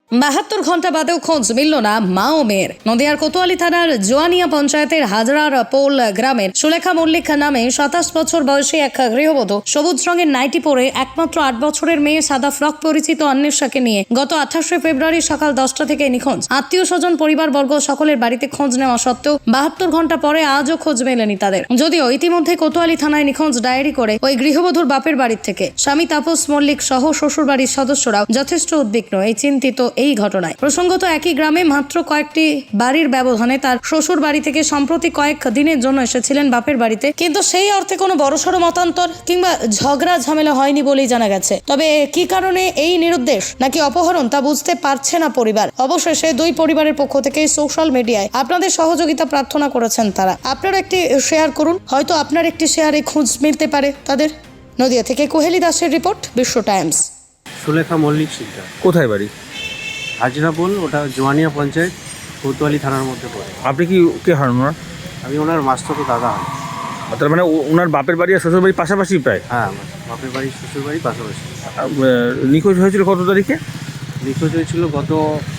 72 ঘন্টা বাদেও খোঁজ মিলল না মা ও মেয়ের। নদিয়ার কোতোয়ালি থানার জোয়ানিয়া পঞ্চায়েতের হাজরার পোল গ্রামের সুলেখা মল্লিক নামে 27 বছর বয়সী এক গৃহবধূ সবুজ রঙের নাইটি পরে একমাত্র 8 বছরের মেয়ে সাদা ফ্রক পরিচিত অন্বেষাকে নিয়ে গত 28 ফেব্রুয়ারি সকাল 10টা থেকে নিখোঁজ। আত্মীয় স্বজন পরিবারবর্গ সকলের বাড়িতে খোঁজ নেওয়া সত্ত্বেও 72 ঘন্টা পরে আজও খোঁজ মেলেনি তাদের। যদিও ইতিমধ্যে কোতোয়ালি থানায় নিখোঁজ ডায়েরি করে ওই গৃহবধূর বাপের বাড়ির থেকে স্বামী তাপস মল্লিক সহ শ্বশুর বাড়ির সদস্যরাও যথেষ্ট উদ্বিগ্ন এই চিন্তিত এই ঘটনায়। প্রসঙ্গত একই গ্রামে মাত্র কয়েকটি বাড়ির ব্যবধানে তার শ্বশুর বাড়ি থেকে সম্প্রতি কয়েক দিনের জন্য এসেছিলেন বাপের বাড়িতে, কিন্তু সেই অর্থে কোনো বড়সড় মতান্তর কিংবা ঝগড়া ঝামেলা হয়নি বলেই জানা গেছে। তবে কি কারণে এই নিরুদ্দেশ নাকি অপহরণ তা বুঝতে পারছে না পরিবার। অবশেষে দুই পরিবারের পক্ষ থেকে সোশ্যাল মিডিয়ায় আপনাদের সহযোগিতা প্রার্থনা করেছেন তারা। আপনারা একটি শেয়ার করুন, হয়তো আপনার একটি শেয়ারে খোঁজ মিলতে পারে তাদের। নদিয়া থেকে কোহেলি দাসের রিপোর্ট, বিশ্ব টাইমস। সুলেখা মল্লিক শিকদার, কোথায় বাড়ি? হাজরাপোল, ওটা জোয়ানিয়া পঞ্চায়েত, কোতোয়ালি থানার মধ্যে পড়ে। আপনি কি কে হন ওনার? আমি ওনার মাস্তুতো দাদা হন। তার মানে ওনার বাপের বাড়ি আর শ্বশুর বাড়ি পাশাপাশি প্রায়? হ্যাঁ, আমার বাপের বাড়ি শ্বশুর বাড়ি পাশাপাশি। নিখোঁজ হয়েছিল কত তারিখে? নিখোঁজ হয়েছিল গত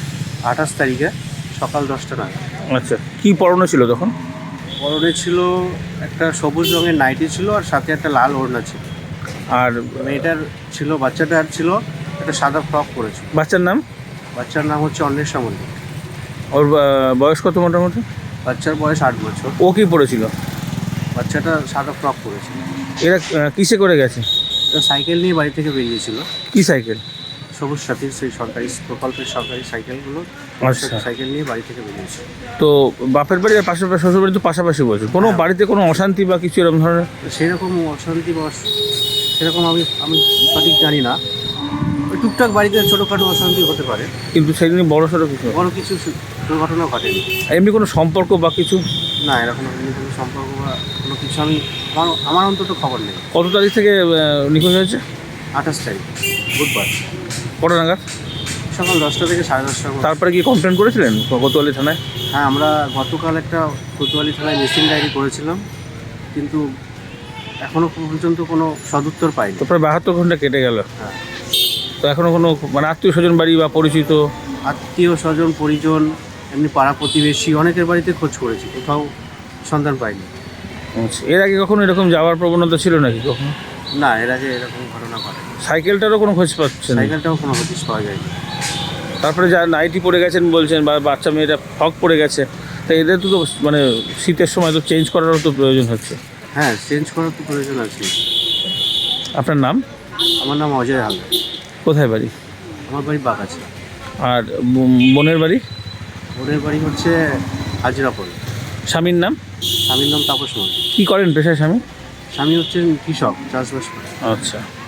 28 তারিখে সকাল 10টা নাগাদ। আচ্ছা, কি পরনে ছিল তখন? পরনে ছিল একটা সবুজ রঙের নাইটি ছিল আর সাথে একটা লাল ওড়না ছিল। আর মেয়েটার ছিল, বাচ্চাটার ছিল একটা সাদা ফ্রক পরেছিল। বাচ্চার নাম? বাচ্চার নাম হচ্ছে অন্বেষা মল্লিক। ওর বয়স কত মোটামুটি? বাচ্চার বয়স 8 বছর। ও কি পড়েছিল? বাচ্চাটা সাদা ফ্রক পরেছিল। এরা কিসে করে গেছে? সাইকেল নিয়ে বাড়ি থেকে বেরিয়েছিল। কি সাইকেল? সবুজ সাথীর সেই সরকারি প্রকল্পের সরকারি সাইকেলগুলো, আচ্ছা। সাইকেল নিয়ে বাড়ি থেকে বেরিয়েছে। তো বাপের বাড়ি আর পাশাপাশি শ্বশুর বাড়ি তো পাশাপাশি বলছে, কোনো বাড়িতে কোনো অশান্তি বা কিছু এরকম ধরনের? সেরকম অশান্তি বা সেরকম আমি সঠিক জানি না। ওই টুকটাক বাড়িতে ছোটোখাটো অশান্তি হতে পারে, কিন্তু সেদিন বড় সড়ো কিছু বড় কিছু দুর্ঘটনা ঘটেনি। এমনি কোনো সম্পর্ক বা কিছু? না, এরকম এমনি কোনো সম্পর্ক বা কোনো কিছু আমার অন্তত খবর নেই। কত তারিখ থেকে নিখোঁজ হয়েছে? 28 তারিখ বুধবার কটা নাগাদ? সকাল 10টা থেকে 10:30টার মধ্যে। তারপরে কি কমপ্লেন করেছিলেন কোতোয়ালি থানায়? হ্যাঁ, আমরা গতকাল একটা কোতোয়ালি থানায় মিসিং ডায়েরি করেছিলাম, কিন্তু এখনও পর্যন্ত কোনো সদুত্তর পাইনি। তো প্রায় 72 ঘন্টা কেটে গেল। হ্যাঁ, তো এখনও কোনো মানে আত্মীয় স্বজন বাড়ি বা পরিচিত? আত্মীয় স্বজন পরিজন, এমনি পাড়া প্রতিবেশী অনেকের বাড়িতে খোঁজ করেছি, কোথাও সন্ধান পাইনি। আচ্ছা, এর আগে কখনো এরকম যাওয়ার প্রবণতা ছিল নাকি কখনো? না, এর আগে এরকম ঘটনা ঘটে। সাইকেলটারও কোনো খোঁজ পাচ্ছেন? সাইকেলটাও কোনো হদিশ পাওয়া যায়নি। তারপরে যা নাইটি পরে গেছেন বলছেন বা বাচ্চা মেয়েটা ফক পরে গেছে, তা এদের তো মানে শীতের সময় তো চেঞ্জ করারও তো প্রয়োজন হচ্ছে। হ্যাঁ, চেঞ্জ করার তো প্রয়োজন আছে। আপনার নাম? আমার নাম অজয় হালদার। কোথায় বাড়ি? আমার বাড়ি বাগাছে। আর বোনের বাড়ি? ওদের বাড়ি হচ্ছে হাজরাপোল। স্বামীর নাম? স্বামীর নাম তাপস মল্লিক। কী করেন পেশায় স্বামী? স্বামী হচ্ছেন কৃষক, চাষবাস করে। আচ্ছা।